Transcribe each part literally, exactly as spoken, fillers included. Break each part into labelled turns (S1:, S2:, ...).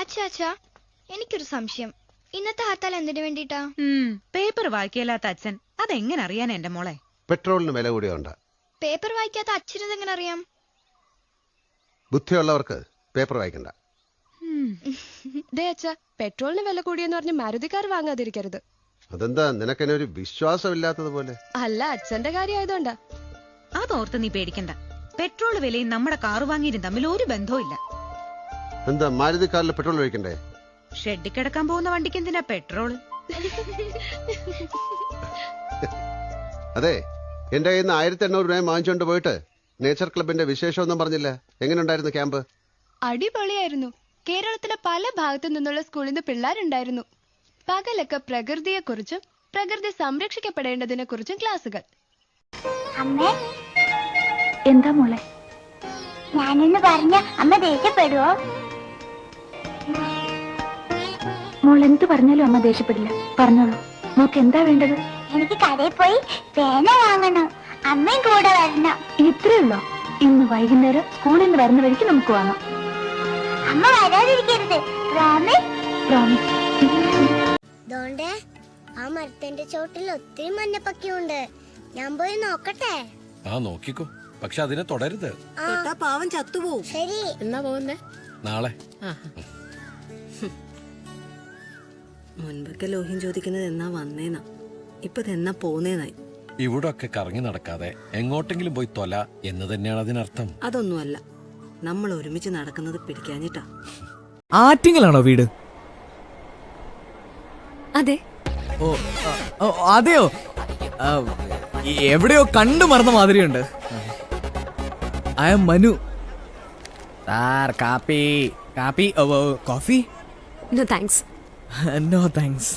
S1: അച്ഛാ അച്ഛാ എനിക്കൊരു സംശയം. ഇന്നത്തെ ഹർത്താൽ എന്തിനു വേണ്ടിട്ടാ?
S2: പേപ്പർ വായിക്കലാത്ത അച്ഛൻ അതെങ്ങനെ അറിയാൻ എന്റെ മോളെ?
S3: പെട്രോളിന് വില കൂടിയോണ്ട.
S1: പേപ്പർ വായിക്കാത്ത അച്ഛനത് എങ്ങനെ അറിയാം?
S3: ബുദ്ധിയുള്ളവർക്ക് പേപ്പർ വായിക്കണ്ട.
S4: പെട്രോളിന് വില കൂടിയെന്ന് പറഞ്ഞ് മാരുതിക്കാർ വാങ്ങാതിരിക്കരുത്.
S3: അതെന്താ നിനക്കെന്നെ ഒരു വിശ്വാസമില്ലാത്തതുപോലെ?
S4: അല്ല, അച്ഛന്റെ കാര്യമായതുകൊണ്ടാ.
S2: അതോർത്ത് നീ പേടിക്കണ്ട. പെട്രോൾ വിലയും നമ്മുടെ കാറ് വാങ്ങിയും തമ്മിൽ ഒരു ബന്ധവും ഇല്ല.
S3: എന്താ മാരുതി കാറിൽ പെട്രോൾ ഒഴിക്കണ്ടേ?
S2: ഷെഡിൽ കിടക്കാൻ പോകുന്ന വണ്ടിക്ക് എന്തിനാ പെട്രോൾ?
S3: അതെ, എന്റെ കയ്യിൽ നിന്ന് ആയിരത്തി എണ്ണൂറ് രൂപ വാങ്ങിച്ചോണ്ട് പോയിട്ട് നേച്ചർ ക്ലബിന്റെ വിശേഷമൊന്നും പറഞ്ഞില്ല. എങ്ങനെ ഉണ്ടായിരുന്നു ക്യാമ്പ്?
S4: അടിപൊളിയായിരുന്നു. കേരളത്തിലെ പല ഭാഗത്തു നിന്നുള്ള സ്കൂളിൽ നിന്ന് പിള്ളേരുണ്ടായിരുന്നു. പകലൊക്കെ പ്രകൃതിയെ കുറിച്ചും പ്രകൃതി സംരക്ഷിക്കപ്പെടേണ്ടതിനെ കുറിച്ചും ക്ലാസുകൾ.
S5: അമ്മേ, എന്താ മോളെ? ഞാനെന്ന് പറഞ്ഞ അമ്മ ദേഷ്യപ്പെടുവോ? മോൾ എന്ത് പറഞ്ഞാലും അമ്മ ദേഷ്യപ്പെടില്ല. പറഞ്ഞോളൂ, മോക്ക് എന്താ വേണ്ടത്? എനിക്ക് കടയിൽ പോയി പേന വാങ്ങണം. അമ്മയും കൂടെ വരണം. ഇത്രയുള്ളോ? ഇന്ന് വൈകുന്നേരം സ്കൂളിൽ നിന്ന് വരുന്ന വഴിക്ക് നമുക്ക് വാങ്ങാം. അമ്മ വരാതിരിക്കരുത്. പ്രോമിസ്? പ്രോമിസ്.
S6: ദോണ്ടേ, ആ മരത്തിന്റെ ചോട്ടിൽ ഒത്തിരി മഞ്ഞപ്പക്കിയുണ്ട്. ഞാൻ പോയി നോക്കട്ടെ?
S7: ആ നോക്കിക്കോ, പക്ഷെ അതിനെ തുടരുത്.
S8: പാവം ചത്തുപോകും.
S6: ശരി.
S8: എന്നാ പോകുന്നേ?
S7: നാളെ.
S8: മുൻപൊക്കെ ലോഹ്യം ചോദിക്കുന്നത് എന്നാ വന്നേന്നാ, ഇപ്പൊ എന്നാ പോന്നേന്നായി.
S7: ഇവിടെ ഒക്കെ കറങ്ങി നടക്കാതെ എങ്ങോട്ടെങ്കിലും പോയി തൊല എന്ന് തന്നെയാണ് അതിനർത്ഥം.
S8: അതൊന്നുമല്ല, നമ്മൾ ഒരുമിച്ച് നടക്കുന്നത് പിടിക്കാഞ്ഞിട്ടാ.
S9: ആറ്റിങ്ങലാണോ വീട്?
S8: അതെ.
S9: ഓ അതെയോ? എവിടെയോ കണ്ടു മറന്ന മാതിരിയുണ്ട്. I am Manu. സാർ, കാപ്പി കാപ്പി coffee?
S8: No thanks.
S9: No thanks.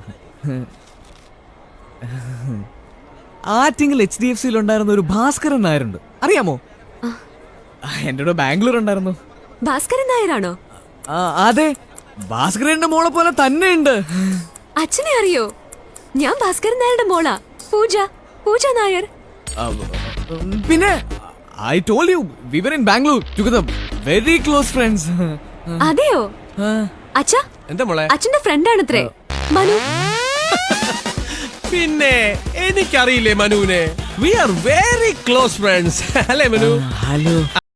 S9: Attingal H D F സിയിൽ ഉണ്ടായിരുന്ന ഒരു ഭാസ്കരൻ നായരുണ്ട്, അറിയാമോ? എന്റെ കൂടെ ബാംഗ്ലൂർ ഉണ്ടായിരുന്നു.
S8: ഭാസ്കരൻ നായരാണോ?
S9: അതെ, ഭാസ്കരന്റെ മോളെ പോലെ തന്നെ ഉണ്ട്.
S8: അച്ഛനെ അറിയോ? ഞാൻ ഭാസ്കരൻ നായരുടെ മോളാ, പൂജ. പൂജ നായർ.
S9: പിന്നെ I told you we were in Bangalore together, very close friends.
S8: അതെയോ? അച്ഛാ,
S7: എന്താ മോളെ?
S8: അച്ഛന്റെ ഫ്രണ്ട് ആണത്രേ മനു.
S7: പിന്നെ എനിക്കറിയില്ലേ മനുവിനെ? We are very close friends. അല്ലേ മനു?
S9: ഹലോ.